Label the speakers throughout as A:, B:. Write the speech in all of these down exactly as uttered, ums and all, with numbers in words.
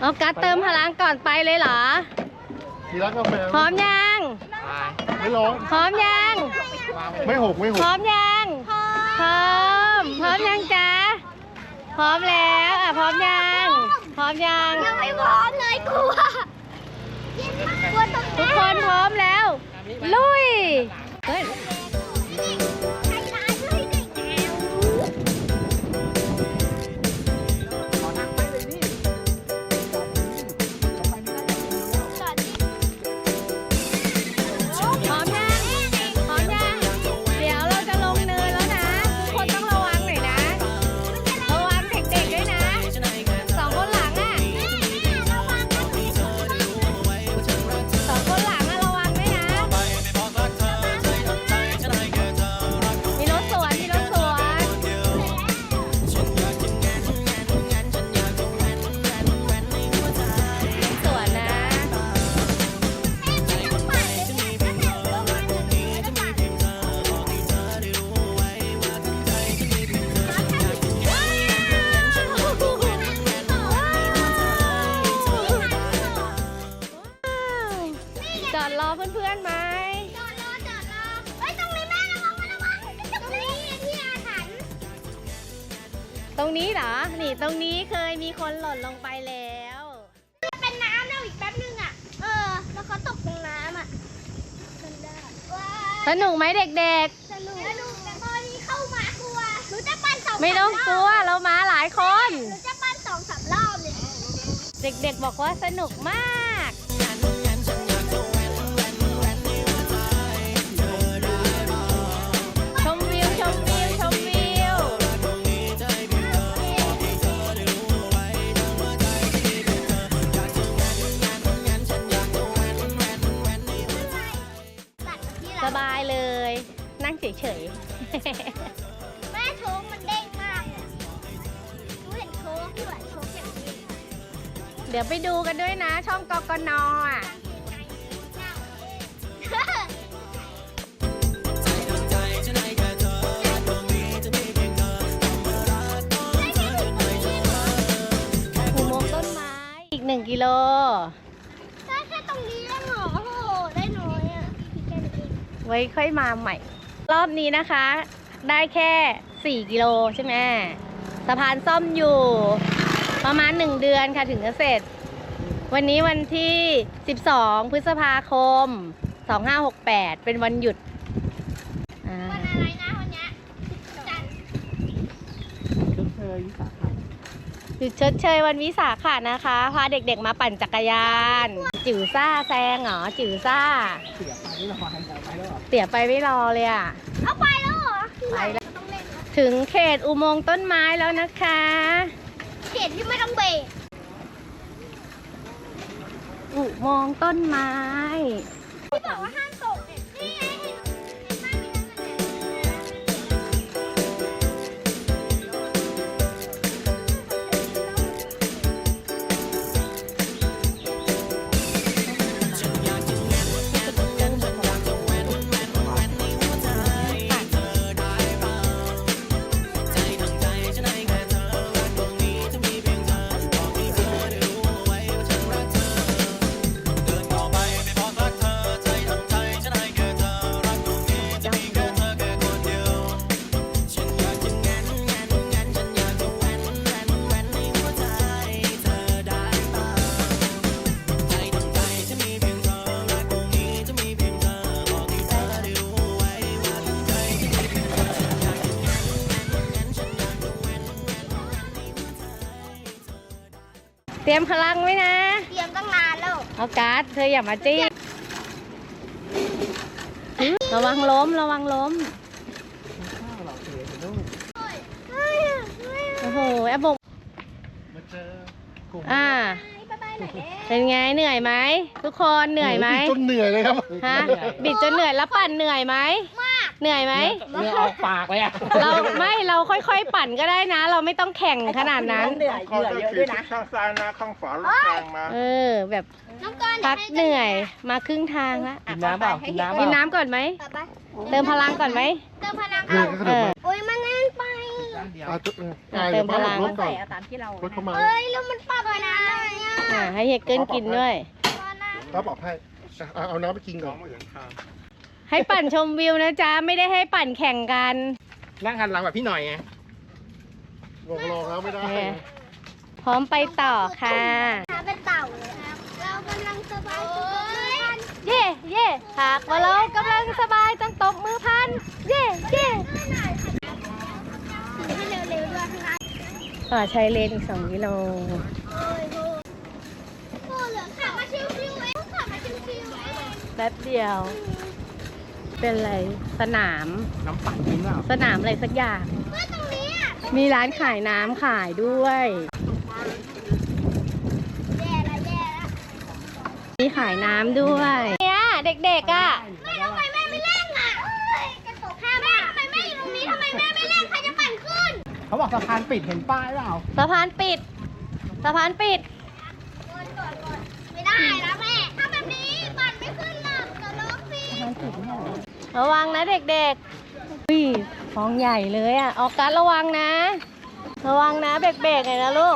A: เอากัดเติมพลังก่อนไปเลยเหรอ
B: ทีรักกาแฟ
A: พร้อมยัง
B: ไม่ร้อง
A: พร้อมยัง
B: ไม่หกไม่หก
A: พร้อมยังพร้อมพร้อมยังจ๊ะพร้อมแล้วอ่ะพร้อมยังพร้อมยัง
C: ยังไม่พร้อมเลยกลัวกลัวตรง
A: ทุกคนพร้อมแล้วลุยเฮ้ยจอดรอเพื่อนๆไหม
C: จอดรอจอดรอเฮ้ยตรงนี้แม่ระวังระวังตรงนี้ที่อาถรรพ์
A: ตรงนี้เหรอนี่ตรงนี้เคยมีคนหล่นลงไปแล้ว
C: เป็นน้ำแล้วอีกแป๊บนึงอ่ะเออแล้วเขาตกตรงน้ำอ่ะ
A: สนุกไหมเด็ก
C: ๆสนุกสนุกแต่ตอนนี้เข้ามากลัวหนูจะปั่นสอง
A: ไม่ต้องกลัวเรามาหลายคน
C: หนูจะปั่นสองสามรอบเลย
A: เด็กๆบอกว่าสนุกมากชมวิวชมวิวชมวิวสบายเลยนั่งเฉย
C: ๆแม่โชว์มันเด้งมากหนูเห็นโชว์ด้วยโชว์อย่างนี้
A: เดี๋ยวไปดูกันด้วยนะช่องกกน.อ่ะอุโมงค์ต้นไม้อีกหนึ่งกิโล
C: ได้แค่ตรงนี้เองเหรอโอ้โหได้น้อยอ่ะ
A: ไว้ค่อยมาใหม่รอบนี้นะคะได้แค่สี่กิโลใช่ไหมสะพานซ่อมอยู่ประมาณหนึ่งเดือนค่ะถึงจะเสร็จวันนี้วันที่สิบสองพฤษภาคมสองห้าหกแปดเป็นวันหยุด
C: วันอะไรนะวันนี้จันทร์
B: ชดเชยวิสาขะ
A: หยุดชดเชยวันวิสาขะนะคะพาเด็กๆมาปั่นจักรยานจิ๋วซ่าแซงเหรอจิ๋วซ่า
B: เสียไปไม่รอไปแล้วหรอ
A: เสียไปไม่รอเลยอ่ะ
C: เอาไปแล้วเหรอ
A: ไปแล้วถึงเขตอุโมงค์ต้นไม้แล้วนะคะ
C: เขตที่ไม่ต้องเบรก
A: อุโมงค์ต้นไม้
C: ที่บอกว่าห้ามตกเนี่ยนี่ไงเห็นเห็นบ้านมีนั่น
A: เตรียมพลังไว้นะ
C: เตรียมตั้งนานแล้ว
A: เอาการ์ดเธออย่ามาจี้ระวังล้มระวังล้มโอ้โหแอบบกอ่าเป็นไงเหนื่อยไหมทุกคนเหนื่อยไหม
B: บิดจนเหนื่อยเลยครับ
A: ฮะบิดจนเหนื่อยแล้วปั่นเหนื่อยไหมเหนื่อยไหม
B: เหนื่อยออกปากเลยอะ
A: เราไม่เราค่อยๆปั่นก็ได้นะเราไม่ต้องแข่งขนาดนั้น
D: เหนื่อยเหนื่อยเยอะด้วยนะ
B: ข้างซ้ายนะข้างขวารถแรงมา
A: เออแบบพักเหนื่อยมาครึ่งทางแล้ว
B: กินน้ำเปล่ากินน้ำ
A: กินน้ำก่อนไหมเติมพลังก่อนไหม
C: เติมพลังก่อนโอ้ยมันแน่นไป
A: เติมพลัง
C: เอ้ยแล้วมันปรับไปนานเลยอ่ะ
A: อ่าให้เฮเกิลกินด้วย
B: ก็บอกให้เอาเอาน้ำไปกินก่อน
A: ให้ปั่นชมวิวนะจ๊ะ ไม่ได้ให้ปั่นแข่งกัน
B: นั่งหันหลังแบบพี่หน่อยไงบอกลองแล้วไม่ได้
A: พร้อมไปต่อค่ะ
C: เป็นเต่าเลยครับ เรากำลังสบายกัน
A: เย่เย่หากว่าเรากำลังสบายต้องตบมือพัน เย่เย่
C: ให้เร็วๆด้วยนะ
A: ป่าชายเลนอีกสองกิโล
C: โอ้ยโอ้โหเหลือขับมาชิวๆเองขับมาชิวๆเอง
A: แป๊บเดียว เป็นอะไร สนาม
B: น้ำปั่นกินเปล่า
A: สนามอะไรสักอย่าง
C: เมื่อตรงนี้อ่ะ
A: มีร้านขายน้ำขายด้วย
C: แย่ละแย่ละ
A: มีขายน้ำด้วยเนี่ยเด็กๆอ่ะ
C: แม่ทำไมแม่ไม่เล่นอ่ะเอ้ยกระตกแม่ทำไมแม่อยู่ตรงนี้ทำไมแม่ไม่เล่นใครจะปั่นขึ้น
B: เขาบอกสะพานปิดเห็นป้ายเปล่า
A: สะพานปิด สะพานปิด
C: ไม่ได้แล้วแม่ถ้าแบบนี้ปั่นไม่ขึ้นหรอกจะล็อกสิ
A: ระวังนะเด็กๆอุ้ยฟองใหญ่เลยอ่ะ ออกการระวังนะ ระวังนะเบรกๆหน่อยนะลูก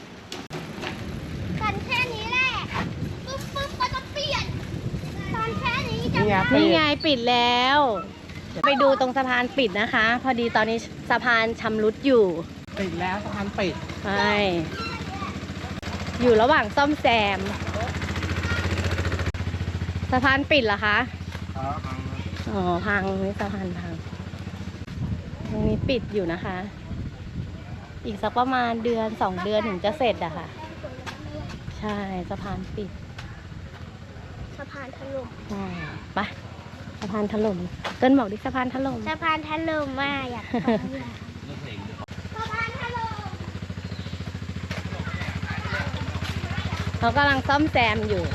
C: ปั่นแค่นี้แหละปึ๊บปึ๊บก็จะเปลี่ยนตอนแค่นี้จะ
B: นี่ไง
A: นี่ไงปิดแล้ว ไปดูตรงสะพานปิดนะคะ พอดีตอนนี้สะพานชำรุดอยู่
B: ปิดแล้วสะพานปิด
A: ใช่ อยู่ระหว่างซ่อมแซม สะพานปิดเหรอคะ อ๋อ พังนี่สะพานพัง ตรงนี้ปิดอยู่นะคะ อีกสักประมาณเดือนสองเดือนถึงจะเสร็จอะค่ะ ใช่สะพานปิด
C: สะพานถล่ม
A: ใช่ไปสะพานถล่มเต้นบอกดิสะพานถล่ม
C: สะพานถล่มมากอยากไปอะสะพานถล่ม
A: เขากำลังซ่อมแซมอยู่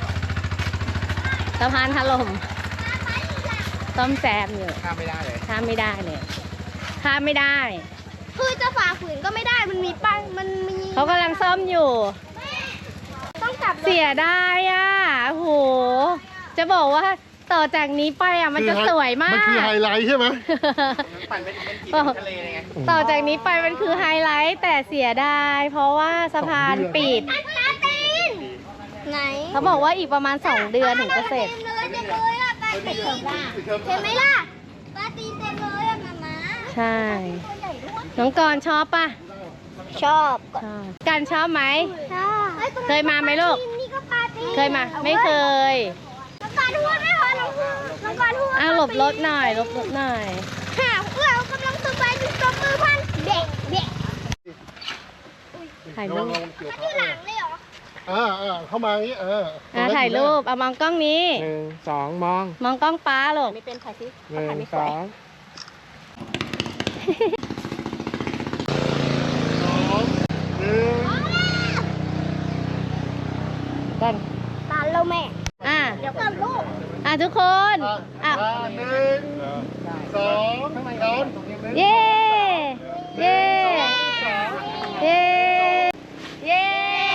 A: สะพานถล่มซ่อมแซมอยู่
B: ข้ามไม่ได้เลย
A: ข้ามไม่ได้เลยข้ามไม่ได้
C: คือจะฝ่าฝืนก็ไม่ได้มันมีป้ายมันมี
A: เขากำลังซ่อมอยู่
C: ต้องกลับรถ
A: เสียได้อ่ะโอ้โห จะบอกว่าต่อจากนี้ไปอ่ะมันจะสวยมาก
B: มันคือไฮไลท์ใช่ไหม
A: ปั่นเป็นทะเลไงต่อจากนี้ไปมันคือไฮไลท์แต่เสียได้ เพราะว่าสะพานปิด
C: อันตาตีนไหน
A: เขาบอกว่าอีกประมาณสองเดือนถึงจะเสร็จ
C: เต็มเลยเต็มเลยอะตาตีนเห็นไหมล่ะตาตีนเต็มเลยอะมาม่า
A: ใช่
C: ตัวใหญ่ด้วย
A: น้องกรณ์ชอบปะ
C: ชอบ
A: ชอบการชอบไหม
C: ชอบ
A: เคยมาไหมลูก
C: นี่ก็ปลาตีน
A: เคยมา ไม่เคย
C: น้องการพูดไม่พอน้องพูดน้องการพูด
A: อ้าวหลบรถหน่อยหลบรถหน่อย
C: ค่ะเรากำลังสบายจุดตบมือพันเด็กเด็ก
A: ถ่าย
B: ระ
A: รู
B: วัง
A: ประ
B: วังเกี่ยว
C: ที่หลังเลยเหรอ
B: อ่าอ่าเข้ามาอย่างนี้เออ
A: อ่ะถ่ายรูปเอามองกล้องนี้
B: หนึ่งสองมอง
A: มองกล้องป้าลูก
B: หนึ่งสองสองหนึ่ง
A: กัน
C: ตาเราแม่
A: อ่ะ
C: เดี๋ยวก่อนลูก
A: อ่ะทุกคน
B: อ่ะ
A: อ่ะ
B: อ่ะหนึ่งสองสาม
A: เย้เย้เย้เย้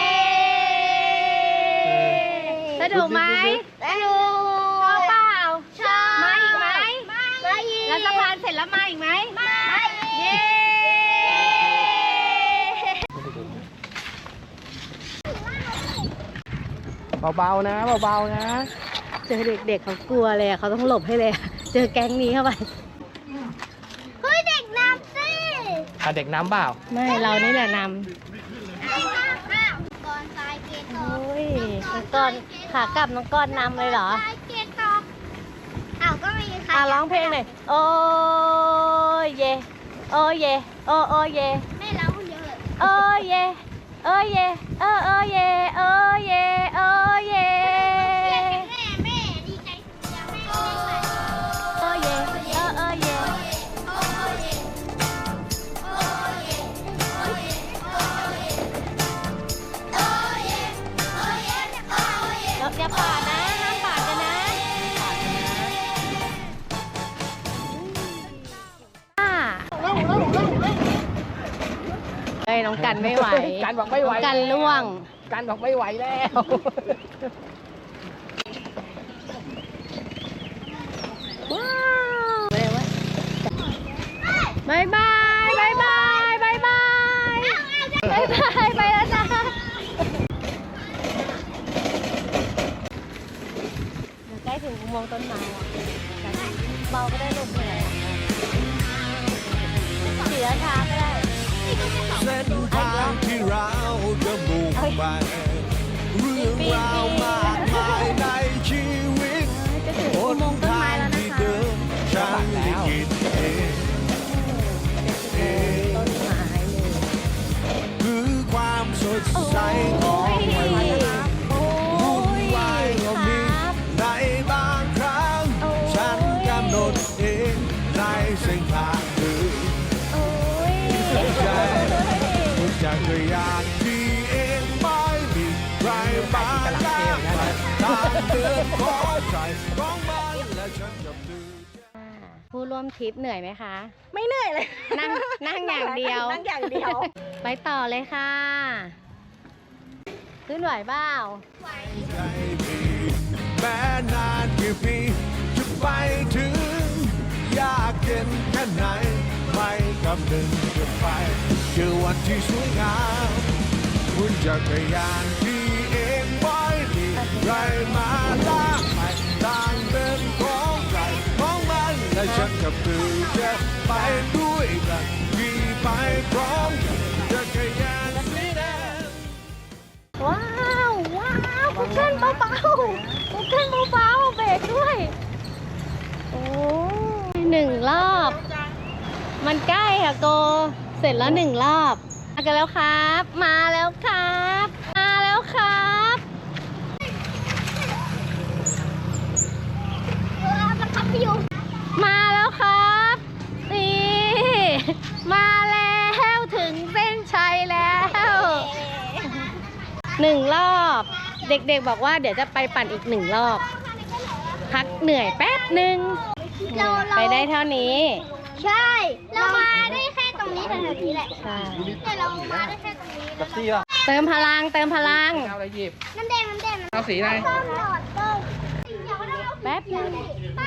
A: สนุกไหม
C: สนุก
A: ชอบเปล่า
C: ชอบ
A: มาอีกไหม
C: มาอีก
A: แล้วสะพานเสร็จแล้วมาอีกไหม
C: มาอีก
A: เย้
B: เบาๆนะเบาๆนะ
A: เจอเด็กๆเขากลัวเลยอะเขาต้องหลบให้เลยอะเจอแก๊งนี้เข้าไป
C: เฮ้ยเด็กน้ำสิ
B: อ่ะเด็กน้ำเปล่า
A: ไม่เรานี่แหละนำ
C: อ้าวอ้าวก่อนสายเกต
A: โอ้
C: อก
A: ยน้องก้อนขากลับน้องก้อนนำเลยเหรอ
C: สายเกตอกอ้าวก็ไม่มีใคร
A: อ่ะร้องเพลงหน่อยโอ้ยเยโอ้ยเยโอ้โอ้ยเย
C: แม่ร้องคนเดียวเลย
A: โอ้ยเยโอ้ยเยโอ้โอ้ยเยโอ้ยเยโอ้ยเย
C: แม่แม่ดีใจอยากแม่เล่นไป
A: โอ้ยเยโอ้โอ้ยเยเราอย่าปาดนะห้ามปาดกันนะอ่าเฮ้ยน้องกันไม่ไหว
B: กันบอกไม่ไหว
A: น้องกันล่วง
B: กันบอกไม่ไหวแล้ว
A: ว้าวบายบายบายบายบายบายบายบายไปแล้วจ้าโมงค์ต้นไม้อะเบาก็ได้ลูกเหนื่อยอะขี่ช้าๆก็ได้
D: เส้นทางที่เราจะมุ่งไปเรื่องราวมากมายในชีวิต
A: จะถึง
D: ห
A: อุ
D: น
A: โมงค์ต้น
D: ทา
A: ไม้
D: ง
A: แล้วนะ
D: ที่
A: คะ
D: เดิมฉันได้คิดเองเอง
A: ต้นไม้เลย
D: คือความสดใสของวัน
A: โอ้
D: วุ่น
A: ยว
D: ายก็มี
A: ครับ
D: ในบางครั้ง
A: โอ้ย
D: ฉันกำหนดเองในเส้นทางเดิน
A: โอ้ย
D: ใจจักรยานที่เองไม่มีใครมาล้างไปทางเดินของใจของมันและฉันกับเธอ
A: ผู้ร่วมทริปเหนื่อยไหมคะ
E: ไม่เหนื่อยเลย
A: นั่งนั่งอย่างเดียว
E: นั่งอย่างเดียว
A: ไปต่อเลยค่ะ ขึ้นไหวเปล่า
D: ใจมีแม้นานกี่ปีจะไปถึง ยากเย็นแค่ไหน ไม่คำนึงจะไปเจอวันที่สวยงามคุณจักรยานที่เองไม่มีใครมาลากไปทางเดินของใครของมันและฉันกับเธอจะไปด้วยกันขี่ไปพร้อมกันจักรยานสีแดง
A: ว้าวว้าวคุกเกิลเบาๆคุกเกิลเบาๆเบรกด้วย โอ้ยหนึ่งรอบ มันใกล้ค่ะโก เสร็จแล้วหนึ่งรอบมากันแล้วครับ มาแล้วครับ มาแล้วครับ
C: เออบังคับพี่อยู่
A: มาแล้วครับ นี่ มาแล้วถึงเส้นชัยแล้วหนึ่งรอบ เด็กๆบอกว่าเดี๋ยวจะไปปั่นอีกหนึ่งรอบ พักเหนื่อยแป๊บหนึ่ง
C: เราเรา
A: ไปได้เท่านี้
C: ใช่ เรามาได้แค่ตรงนี้แถวๆนี้แหละ
A: ใช่
C: แต่เรามาได้แค่ตรงนี้
B: กับซี่ป่ะ
A: เติมพลังเติมพลัง
B: เอาอะไรหยิบ
C: น้ำแดงน้ำแดง
B: เอาสีอะไร
C: ส้มหลอดส้ม
A: แป๊บนึง
C: ไป